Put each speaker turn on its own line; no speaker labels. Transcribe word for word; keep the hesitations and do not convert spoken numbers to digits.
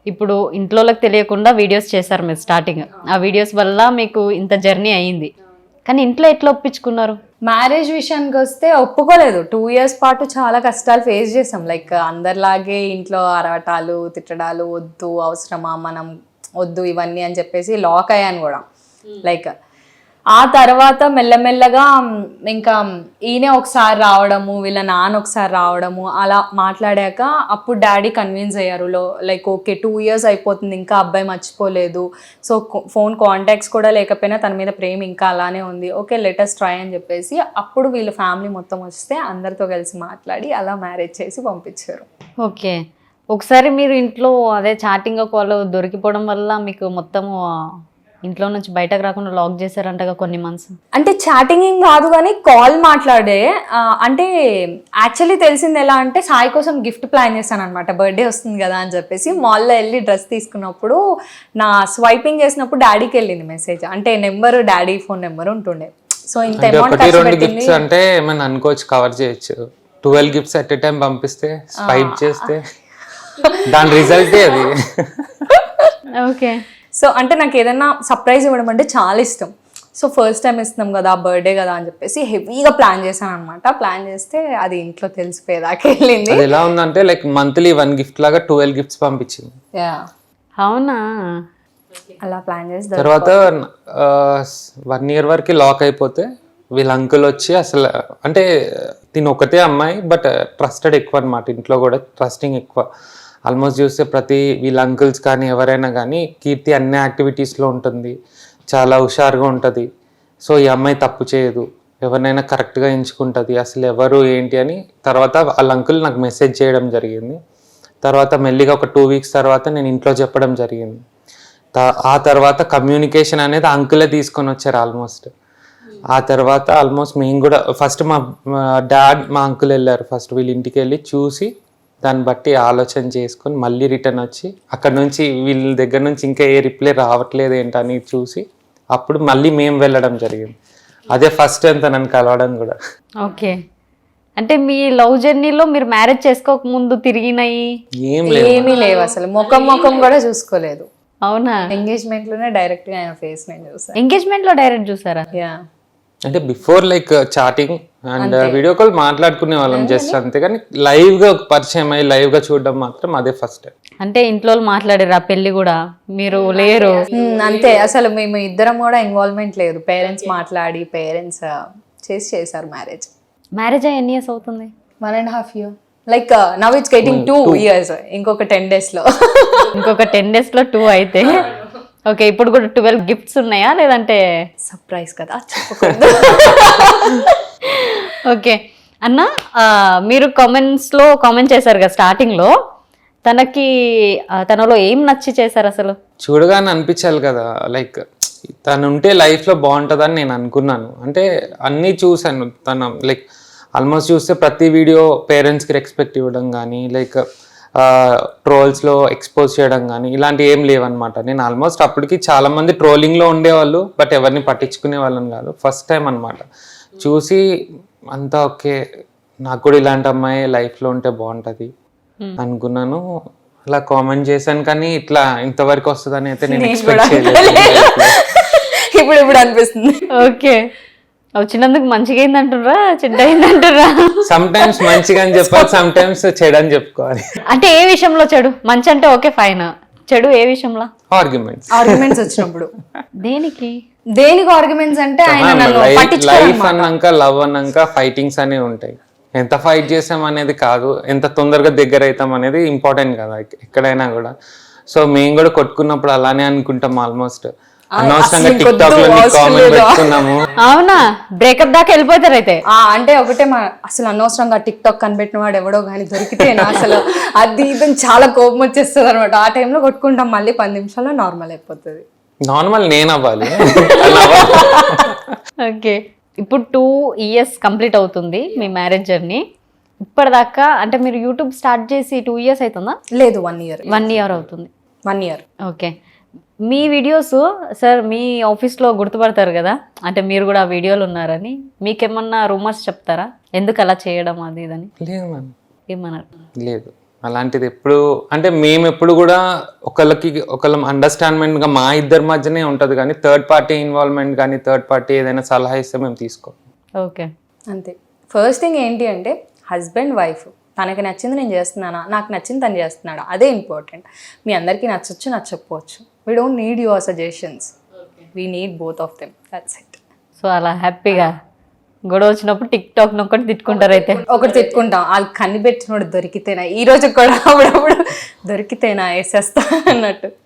ఇప్పుడు ఇంట్లోకి తెలియకుండా వీడియోస్ చేశారు మీరు స్టార్టింగ్, ఆ వీడియోస్ వల్ల మీకు ఇంత జర్నీ అయ్యింది. కానీ ఇంట్లో ఎట్లా ఒప్పించుకున్నారు?
మ్యారేజ్ విషయానికి వస్తే ఒప్పుకోలేదు. టూ ఇయర్స్ పాటు చాలా కష్టాలు ఫేస్ చేసాం. లైక్ అందరిలాగే ఇంట్లో అరవటాలు తిట్టడాలు, వద్దు అవసరమా మనం వద్దు ఇవన్నీ అని చెప్పేసి లాక్ అయ్యాను కూడా. లైక్ ఆ తర్వాత మెల్లమెల్లగా ఇంకా ఈయనే ఒకసారి రావడము, వీళ్ళ నాన్న ఒకసారి రావడము, అలా మాట్లాడాక అప్పుడు డాడీ కన్విన్స్ అయ్యారు. లో లైక్ ఓకే టూ ఇయర్స్ అయిపోతుంది, ఇంకా అబ్బాయి మర్చిపోలేదు, సో ఫోన్ కాంటాక్ట్స్ కూడా లేకపోయినా తన మీద ప్రేమ ఇంకా అలానే ఉంది, ఓకే లెటెస్ట్ ట్రై అని చెప్పేసి అప్పుడు వీళ్ళ ఫ్యామిలీ మొత్తం వస్తే అందరితో కలిసి మాట్లాడి అలా మ్యారేజ్ చేసి పంపించారు.
ఓకే, ఒకసారి మీరు ఇంట్లో అదే చాటింగ్ కాల్ దొరికిపోవడం వల్ల మీకు మొత్తము ఇంట్లో నుంచి బయటకు రాకుండా లాక్ చేశారంటగా కొన్ని మంత్స్.
అంటే చాటింగ్ ఏం కాదు కానీ కాల్ మాట్లాడే. అంటే యాక్చువల్లీ తెలిసింది ఎలా అంటే సాయి కోసం గిఫ్ట్ ప్లాన్ చేశాను అనమాట, బర్త్డే వస్తుంది కదా అని చెప్పేసి. మాల్లో వెళ్ళి డ్రెస్ తీసుకున్నప్పుడు నా స్వైపింగ్ చేసినప్పుడు డాడీకి వెళ్ళింది మెసేజ్. అంటే నెంబర్ డాడీ ఫోన్ నెంబర్ ఉంటుండే. సో ఇంత అమౌంట్ ఖర్చు పెట్టింది
అంటే ఏమైనా అనుకోవచ్చు, కవర్ చేయొచ్చు. Twelve gifts at a time పంపిస్తే స్వైప్ చేస్తే దాని రిజల్టే అది.
ఓకే,
సో అంటే నాకు ఏదైనా సర్ప్రైజ్ ఇవ్వడం అంటే చాలా ఇష్టం. సో ఫస్ట్ టైం ఇస్తున్నాం కదా, బర్త్డే కదా అని చెప్పేసి హెవీగా ప్లాన్ చేశాను అనమాట. ప్లాన్ చేస్తే అది ఇంట్లో తెలిసిపోయేదాకా వెళ్ళింది.
అది ఎలా ఉందంటే లైక్ మంత్లీ వన్ గిఫ్ట్ లాగా ట్వెల్వ్ గిఫ్ట్స్ పంపించింది.
అవునా?
అలా ప్లాన్ చేసి
తర్వాత వన్ ఇయర్ వరకు లాక్ అయిపోతే వీళ్ళ అంకుల్ వచ్చి అసలు అంటే తిని ఒకటే అమ్మాయి బట్ ట్రస్టెడ్ ఎక్కువ అనమాట, ఇంట్లో కూడా ట్రస్టింగ్ ఎక్కువ. ఆల్మోస్ట్ చూస్తే ప్రతి వీళ్ళ అంకుల్స్ కానీ ఎవరైనా కానీ కీర్తి అన్ని యాక్టివిటీస్లో ఉంటుంది, చాలా హుషారుగా ఉంటుంది. సో ఈ అమ్మాయి తప్పు చేయదు, ఎవరినైనా కరెక్ట్గా ఎంచుకుంటుంది, అసలు ఎవరు ఏంటి అని. తర్వాత వాళ్ళ అంకుల్ నాకు మెసేజ్ చేయడం జరిగింది. తర్వాత మెల్లిగా ఒక టూ వీక్స్ తర్వాత నేను ఇంట్లో చెప్పడం జరిగింది. ఆ తర్వాత కమ్యూనికేషన్ అనేది అంకులే తీసుకొని వచ్చారు ఆల్మోస్ట్. ఆ తర్వాత ఆల్మోస్ట్ మేము కూడా ఫస్ట్ మా డాడ్ మా అంకుల్ వెళ్ళారు ఫస్ట్ వీళ్ళ ఇంటికి వెళ్ళి చూసి దాన్ని బట్టి ఆలోచన చేసుకొని మళ్ళీ రిటర్న్ వచ్చి అక్కడ నుంచి వీళ్ళ దగ్గర నుంచి ఇంకా ఏ రిప్లై రావట్లేదు ఏంటని చూసి అప్పుడు మళ్ళీ మేము వెళ్ళడం జరిగింది. అదే ఫస్ట్ అంత నన్ను కలవడం కూడా.
ఓకే, అంటే మీ లవ్ జర్నీలో మీరు మ్యారేజ్ చేసుకోక ముందు తిరిగినాయి
ఏం
ఏమీ లేవు, అసలు ముఖం ముఖం కూడా చూసుకోలేదు.
అవునా?
ఎంగేజ్మెంట్ లోనే డైరెక్ట్ గా ఆయన ఫేస్ నేను చూసాను.
ఎంగేజ్మెంట్ లో డైరెక్ట్ చూసారా?
యా,
అంటే before like chatting and video call మాట్లాడుకునే వాళ్ళం జస్ట్ అంతే, కానీ లైవ్ గా పరిచయం అయ్యి లైవ్ గా చూడడం మాత్రం అదే ఫస్ట్ టైం.
అంటే ఇంట్లో మాట్లాడారు ఆ పెళ్లి కూడా, మీరు లేరు
అంతే. అసలు మేము ఇద్దరం కూడా ఇన్వాల్వ్మెంట్ లేదు, పేరెంట్స్ మాట్లాడి పేరెంట్స్ చేసి చేశారు మ్యారేజ్.
మ్యారేజ్ అయ్యి ఎన్ని ఇయర్స్ అవుతుంది?
One and half year. Like now it's getting two years. ఇంకొక టెన్ డేస్ లో
ఇంకొక టెన్ డేస్ లో టూ అయితే ఓకే. ఇప్పుడు కూడా ట్వెల్వ్ గిఫ్ట్స్ ఉన్నాయా లేదంటే
సర్ప్రైజ్ కదా చెప్పకూడదు?
ఓకే అన్న, మీరు కామెంట్స్ లో కామెంట్ చేశారు కదా స్టార్టింగ్ లో, తనకి తనలో ఏం నచ్చి చేశారు అసలు?
చూడగానే అనిపించాలి కదా, లైక్ తను ఉంటే లైఫ్ లో బాగుంటుందని నేను అనుకున్నాను. అంటే అన్నీ చూశాను, తన లైక్ ఆల్మోస్ట్ చూస్తే ప్రతి వీడియో పేరెంట్స్కి రెస్పెక్ట్ ఇవ్వడం కానీ లైక్ ట్రోల్స్లో ఎక్స్పోజ్ చేయడం కానీ ఇలాంటివి ఏం లేవన్నమాట. నేను ఆల్మోస్ట్ అప్పటికి చాలామంది ట్రోలింగ్లో ఉండేవాళ్ళు బట్ ఎవరిని పట్టించుకునే వాళ్ళని కాదు. ఫస్ట్ టైం అనమాట చూసి అంతా ఓకే, నాకు కూడా ఇలాంటి అమ్మాయి లైఫ్లో ఉంటే బాగుంటుంది అనుకున్నాను. అలా కామెంట్ చేశాను, కానీ ఇట్లా ఇంతవరకు వస్తుందని అయితే నేను ఎక్స్పెక్ట్ చేయలేదు.
ఇప్పుడు ఇప్పుడు అనిపిస్తుంది.
ఓకే, వచ్చినందుకు మంచిగా అయిందంటుర్రా చెడ్డ అయిందంటుర్రా?
సమ్ టైమ్స్ మంచిగా అని చెప్పాలి, సమ్ టైమ్స్ చెడు అని చెప్పుకోవాలి.
అంటే ఏ విషయంలో చెడు? మంచి అంటే ఓకే ఫైన్, చెడు ఏ విషయంలో?
ఆర్గ్యుమెంట్స్
ఆర్గ్యుమెంట్స్ వచ్చినప్పుడు.
దేనికి
దేనికి ఆర్గ్యుమెంట్స్ అంటే ఆయన నన్ను
లైఫ్ అన్నాక లవ్ అన్నాక ఫైటింగ్స్ అనేవి ఉంటాయి. ఎంత ఫైట్ చేసాం అనేది కాదు, ఎంత తొందరగా దగ్గర అవుతాం అనేది ఇంపార్టెంట్ కదా ఎక్కడైనా కూడా. సో మేము కూడా కొట్టుకున్నప్పుడు అలానే అనుకుంటాం ఆల్మోస్ట్. అనవసరంగా టిక్ టాక్ లో కామెంట్ పెట్టుకున్నాము.
అవునా? బ్రేకప్ దాకా వెళ్ళిపోతారు అయితే?
అంటే ఒకటే మా అసలు అనవసరంగా టిక్ టాక్ కనిపెట్టిన వాడు ఎవడో కానీ దొరికితే అసలు అది ఇది చాలా కోపం వచ్చేస్తుంది అనమాట. ఆ టైంలో కొట్టుకుంటాం, మళ్ళీ పది నిమిషాల్లో నార్మల్ అయిపోతుంది.
నార్మల్ నేను అవ్వాలి.
ఓకే, ఇప్పుడు టూ ఇయర్స్ కంప్లీట్ అవుతుంది మీ మ్యారేజ్ జర్నీ. ఇప్పటిదాకా అంటే మీరు యూట్యూబ్ స్టార్ట్ చేసి టూ ఇయర్స్ అవుతుందా?
లేదు, వన్ ఇయర్
వన్ ఇయర్ అవుతుంది.
వన్ ఇయర్
ఓకే, మీ వీడియోస్ సార్ మీ ఆఫీస్లో గుర్తుపడతారు కదా, అంటే మీరు కూడా ఆ వీడియోలు ఉన్నారని. మీకేమన్నా రూమర్స్ చెప్తారా ఎందుకు అలా చేయడం అది ఇదని?
లేదు మ్యామ్,
ఏమన్నారు?
లేదు. అలాంటిది ఎప్పుడు అంటే మేము ఎప్పుడు కూడా ఒకళ్ళకి ఒకళ్ళ అండర్స్టాండ్మెంట్గా మా ఇద్దరి మధ్యనే ఉంటుంది కానీ థర్డ్ పార్టీ ఇన్వాల్వ్మెంట్ కానీ థర్డ్ పార్టీ ఏదైనా సలహా ఇస్తే మేము తీసుకోం.
ఓకే.
అంతే. ఫస్ట్ థింగ్ ఏంటి అంటే హస్బెండ్ వైఫ్ తనకి నచ్చింది నేను చేస్తున్నానా, నాకు నచ్చింది తను చేస్తున్నాడా, అదే ఇంపార్టెంట్. మీ అందరికీ నచ్చచ్చు నచ్చకపోవచ్చు, we don't need your suggestions, we need both of them, that's it.
So అలా హ్యాపీగా గొడవ వచ్చినప్పుడు టిక్ టాక్ నొక్కటి తిట్టుకుంటారు అయితే.
ఒకటి తిట్టుకుంటాం, వాళ్ళు కనిపెట్టినోడు దొరికితేనా, ఈ రోజు కూడా అప్పుడప్పుడు దొరికితేనా వేసేస్తా అన్నట్టు.